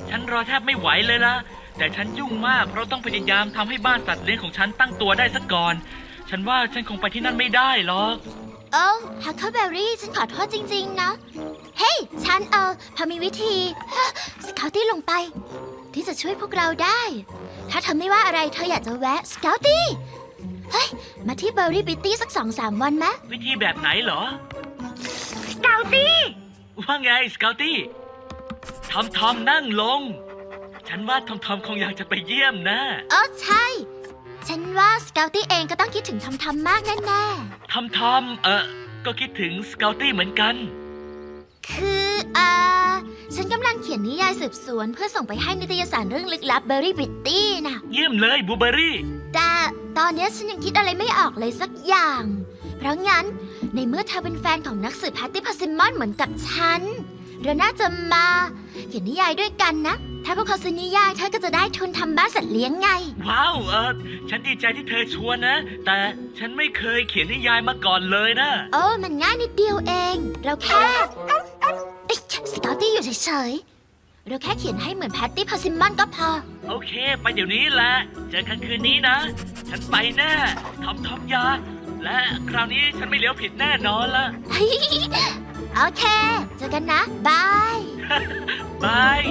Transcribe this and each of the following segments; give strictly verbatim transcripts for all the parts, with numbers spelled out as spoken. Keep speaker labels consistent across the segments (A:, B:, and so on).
A: ฉันรอแทบไม่ไหวเลยล่ะแต่ฉันยุ่งมากเพราะต้องพยายามทำให้บ้านสัตว์เลี้ยงของฉันตั้งตัวได้สักก่อนฉันว่าฉันคงไปที่นั่นไม่ได้หรอก
B: เออฮักเคิลเบอรี่ฉันขอโทษจริงๆนะเฮ้ยฉันเออพอมีวิธีสเกาตี้ลงไปที่จะช่วยพวกเราได้ถ้าเธอไม่ว่าอะไรเธออยากจะแวะสเกาตี้เฮ้ยมาที่เบอร์รี่บิตตี้สักสองสามวันไหม
A: วิธีแบบไหนเหรอ
B: สเกาตี้
A: ว่าไงสเกาตี้ทอมทอมนั่งลงฉันว่าทอมทอมคงอยากจะไปเยี่ยมนะ
B: เออใช่ฉันว่าสเกาตี้เองก็ต้องคิดถึงทอมทอมมากแน่
A: ๆทอมทอมเออก็คิดถึงสเกาตี้เหมือนกัน
B: คืออ่าฉันกำลังเขียนนิยายสืบสวนเพื่อส่งไปให้นิตยสารเรื่องลึกลับเบอร์รี่บิตตี้นะ
A: เยี่ยมเลยบูเบอรี่
B: แต่ตอนนี้ฉันยังคิดอะไรไม่ออกเลยสักอย่างเพราะงั้นในเมื่อเธอเป็นแฟนของนักสืบแพตตี้พาซิมอนเหมือนกับฉันเราน่าจะมาเขียนนิยายด้วยกันนะถ้าพวกเขาซื้อนิยายเธอก็จะได้ทุนทำบ้านสัตว์เลี้ยงไง
A: ว้าวเออฉันดีใจที่เธอชวนนะแต่ฉันไม่เคยเขียนนิยายมาก่อนเลยนะ
B: โอ้มันง่ายนิดเดียวเองเราแค่สเกาตี้อยู่เฉยๆเราแค่เขียนให้เหมือนแพตตี้พาซิมอนก็พอ
A: โอเคไปเดี๋ยวนี้แหละเจอกันคืนนี้นะฉันไปแน่ทอมทอมยาและคราวนี้ฉันไม่เลี้ยวผิดแน่นอนละ
B: โอเคเจอกันนะบาย
A: บาย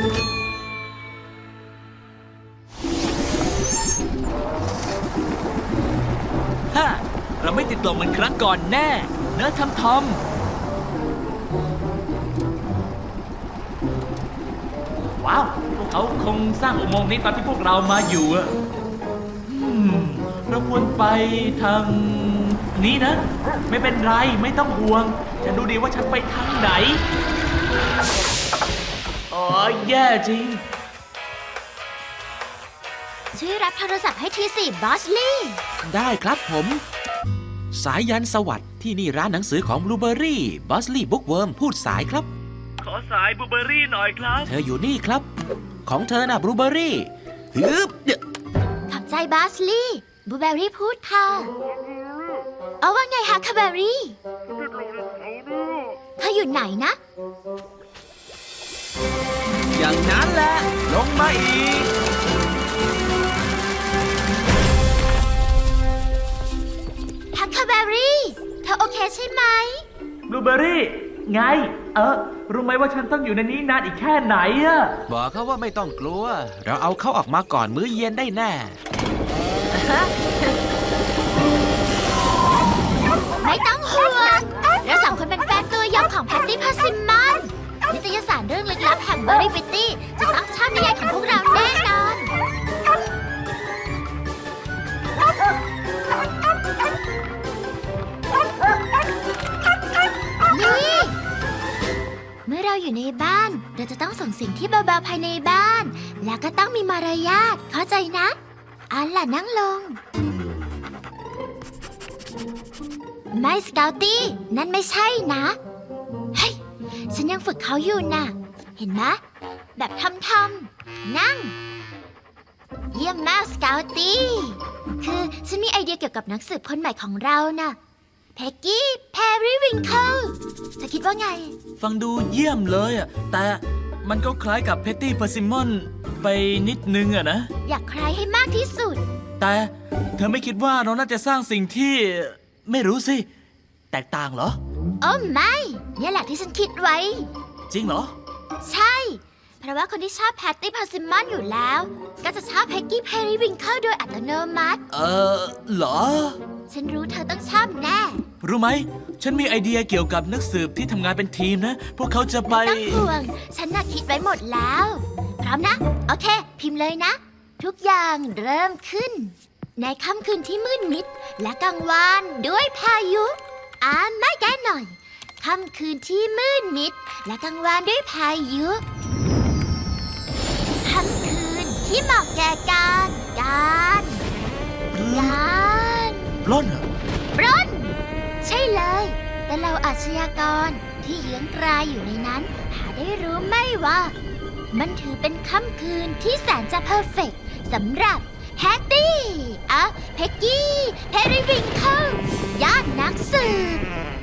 A: ฮ่าเราไม่ติดลมเหมือนครั้งก่อนแน่เนอะทอมทอมว้าวพวกเขาคงสร้างอุโมงค์นี้ตอนที่พวกเรามาอยู่อะเราควรไปทางนี้นะไม่เป็นไรไม่ต้องห่วงฉันดูดีว่าฉันไปทางไหนอ๋อแย่จริง
B: ช่วยรับโทรศัพท์ให้ทีสิบอสลี่
C: ได้ครับผมสายยันสวัสดิ์ที่นี่ร้านหนังสือของบลูเบอร์รี่บอสลี่บุ๊กเวิร์มพูดสายครับ
A: ขอสายบลูเบอร์รี่หน่อยครับ
C: เธออยู่นี่ครับของเธอน่ะบลูเบอร์รี่ฮึบ
B: ขอบใจบอสลี่บลูเบอร์รี่พูดค่ะเอาว่าไงฮะคาเบอรี่เธออยู่ไหนนะ
C: อย่างนั้นแหละลงมาอีก
B: ฮักคาเบอรี่เธอโอเคใช่ไหม
A: บลูเบอร์รี่ไงเออรู้ไหมว่าฉันต้องอยู่ในนี้นานอีกแค่ไหนอะ
C: บอกเขาว่าไม่ต้องกลัวเราเอาเขาออกมาก่อนมื้อเย็นได้แน่
B: ไม่ต้องห่วงเราสองคนเป็นแฟนตัวยงของแพตตี้พาซิมอนนิตยสารเรื่องลึกลับแห่งเบอร์รี่บิตตี้จะต้องชอบนิยายของพวกเราแน่นอนนี่เมื่อเราอยู่ในบ้านเราจะต้องส่งเสียงที่เบาๆภายในบ้านแล้วก็ต้องมีมารยาทเข้าใจนะอันล่ะนั่งลงไม่สเกาตี้นั่นไม่ใช่นะเฮ้ยฉันยังฝึกเขาอยู่นะเห็นไหมแบบทำทำนั่งเยี่ยมมากสเกาตี้คือฉันมีไอเดียเกี่ยวกับนักสืบคนใหม่ของเรานะเพ็กกี้แพรรี่วิงเคิลเธอคิดว่าไง
A: ฟังดูเยี่ยมเลยอ่ะแต่มันก็คล้ายกับเพตตี้เพอร์ซิมอนไปนิดนึงอะนะ
B: อยากคล้ายให้มากที่สุด
A: แต่เธอไม่คิดว่าเราน่าจะสร้างสิ่งที่ไม่รู้สิแตกต่างเหรอ
B: โอ้ไม่เนี่ยแหละที่ฉันคิดไว้
A: จริงเหรอ
B: ใช่เพราะว่าคนที่ชอบแพตตี้พาซิมอนอยู่แล้วก็จะชอบเพ็กกี้แพรรี่วิงเคิลโดยอัตโนมัติ
A: เออเหรอ
B: ฉันรู้เธอต้องชอบแน่
A: รู้ไหมฉันมีไอเดียเกี่ยวกับนักสืบที่ทำงานเป็นทีมนะพวกเขาจะไป
B: ไม่ต้องห่วงฉันน่ะคิดไว้หมดแล้วพร้อมนะโอเคพิมพ์เลยนะทุกอย่างเริ่มขึ้นในค่ำคืนที่มืดมิดและกลางวันด้วยพายุอ่าไม่แก้หน่อยค่ำคืนที่มืดมิดและกลางวันด้วยพายุค่ำคืนที่เหมาะแก่การการการ
A: ปล้นเหรอ
B: ปล้นใช่เลยแต่เราอาชญากรที่เยื้องกรายอยู่ในนั้นหาได้รู้ไหมว่ามันถือเป็นค่ำคืนที่แสนจะเพอร์เฟกต์สำหรับแพตตี้อ่ะเพ็กกี้แพรรี่วิงเคิลยอดนักสืบ